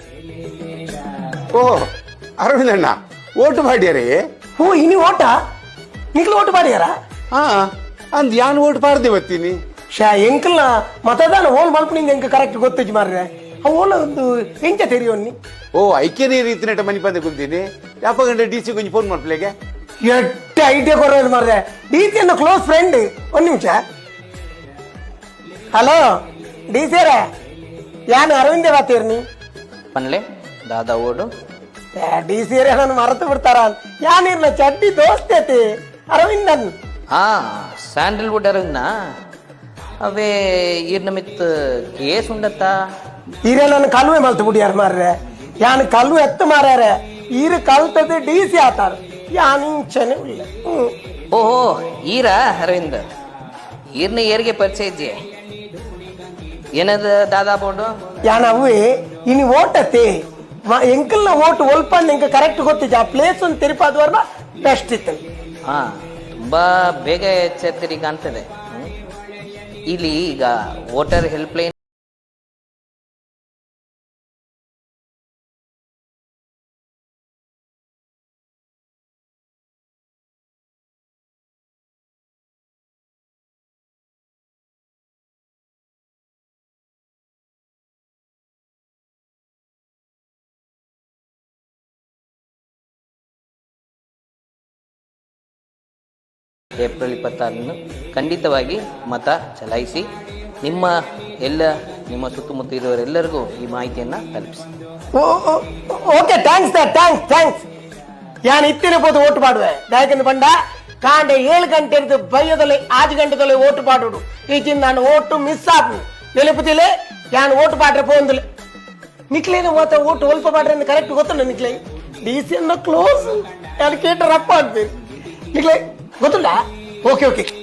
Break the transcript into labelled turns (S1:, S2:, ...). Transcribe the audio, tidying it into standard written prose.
S1: ಓ ಅರವಿಂದ್ ಅಣ್ಣ ಓಟು ಮಾಡ್ಯಾರಿ?
S2: ಓ ಇನಿ ಓಟ ನಿಕ್ಲು ಓಟು ಮಾಡ್ಯಾರ?
S1: ಹಾ ಅಂದ್ ಯಾನ್ ಓಟ್ ಪಾಡ್ದೆ ಬತ್ತೀನಿ.
S2: ಶಾ ಎಂಕಲ್ನ ಮತದಾನ ಓಲ್ ಮಲ್ಪನಿಂದ ಎಂಕ ಕರೆಕ್ಟ್ ಗೊತ್ತಿಜ್ಜಿ ಮಾರ್ರೆ. ಆ ಓಲ ಒಂದು ಎಂಚ ತೆರಿಯೋನ್ನಿ.
S1: ಓ ಐಕ್ಯನೇ ರೀತಿ ನೆಟ ಮನಿ ಪಂದೆ ಕುಂತೀನಿ. ಯಾಪ ಗಂಟೆ ಡಿ ಸಿ ಕೊಂಚ ಫೋನ್ ಮಾಡ್ಪ್ಲೆಗೆ
S2: ಎಟ್ಟ ಐಡಿಯಾ ಕೊಡೋದು ಮಾರ್ರೆ. ಡಿ ಸಿ ಅನ್ನ ಕ್ಲೋಸ್ ಫ್ರೆಂಡ್. ಒಂದ್ ನಿಮಿಷ. ಹಲೋ ಡಿ ಸಿ ಅವರೇ, ಯಾನು ಅರವಿಂದೇ ಬಾತೀರ್ನಿ
S3: ಪನ್ಲೆ ದಾದಾ ಓಡು
S2: ಡಿ ಸಿ ಅವರೇ ನಾನು ಮರೆತು ಬಿಡ್ತಾರ. ಯಾನಿರ್ಲ ಚಡ್ಡಿ ದೋಸ್ತೇತಿ ಅರವಿಂದನ್.
S3: ಹಾ ಸ್ಯಾಂಡಲ್ವುಡ್ ಅರವಿಂದ ಅವೇ ಈರ್ನ ಮಿತ್ ಕೇಸ್ ಉಂಡತ್ತ
S2: ಈರೇ ನನ್ನ ಕಲ್ವೆ ಮಲ್ತು ಬಿಡಿಯಾರ ಮಾರ್ರೆ. ಯಾನ್ ಕಲ್ಲು ಎತ್ತು ಮಾರ್ಯಾರ. ಈರು ಕಲ್ತದ್ದು ಡಿ ಸಿ ಆತಾರ. ಯಾನ್ ಇಂಚನೆ ಇಲ್ಲ.
S3: ಓಹೋ ಈರ ಅರವಿಂದ್ ಈರ್ನ ಏರಿಗೆ ಪರಿಚಯ ಇಜ್ಜಿ ಏನದ ದಾದಾ ಬೋರ್ಡು
S2: ಯಾನ್ ಅವೇ ಇನಿ ಓಟತ್ತೆ ಎಂಕಲ್ನ ಓಟ್ ಒಲ್ಪಂಡ್ ಎಂಕ ಕರೆಕ್ಟ್ ಗೊತ್ತಿದ್ದ. ಆ ಪ್ಲೇಸ್ ಒಂದು ತಿರುಪಾದವರ್ನ ಬೆಸ್ಟ್ ಇತ್ತು.
S3: ಹಾ ತುಂಬಾ ಬೇಗ ಎಚ್ಚೆತ್ತರಿ ಕಾಣ್ತದೆ. ಇಲ್ಲಿ ಈಗ ವೋಟರ್ ಹೆಲ್ಪ್ ಲೈನ್ ಏಪ್ರಿಲ್ 26 ಖಂಡಿತವಾಗಿ ಮತ ಚಲಾಯಿಸಿ ನಿಮ್ಮ ಸುತ್ತಮುತ್ತ ಇರುವವರೆಲ್ಲರಿಗೂ ಈ ಮಾಹಿತಿಯನ್ನು ತಲುಪಿಸಿ.
S2: Okay thanks thanks. ಯಾನ್ ಇತ್ತಿನ ಪೋದು ಓಟ್ ಮಾಡುವೆ ಯಾಕಂದ್ರೆ ಬಂಡ ಕಾಂಡೆ 7 ಗಂಟೆ ಇருந்து ಬಯ್ಯದಲ್ಲಿ 5 ಗಂಟೆದಲ್ಲಿ ಓಟ್ ಪಾಡುಡು. ಈಚಿನ ನಾನು ಓಟು ಮಿಸ್ ಆಪು ನೆನಪುದಿಲ್ಲ. ಯಾನ್ ಓಟ್ ಪಾಡ್ರೆ ಪೋಂದಿಲ್ಲ ನಿಕ್ಲೇನ ಮಾತ್ರ ಓಟ್ ಒಲ್ಪ ಪಾಡ್ರೆ ಅಂತ ಕರೆಕ್ಟ್ ಗೊತ್ತುಂಡ ನಿಕ್ಲೇ. ಡಿ ಸಿ ಅನ್ನ ಕ್ಲೋಸ್ ಯಾರು ಕೇಟ ರಪ್ಪ ಆಗ್ತೀರಿ ನಿಕ್ಲೇ ಗೊತ್ತುಂಡ. ಓಕೆ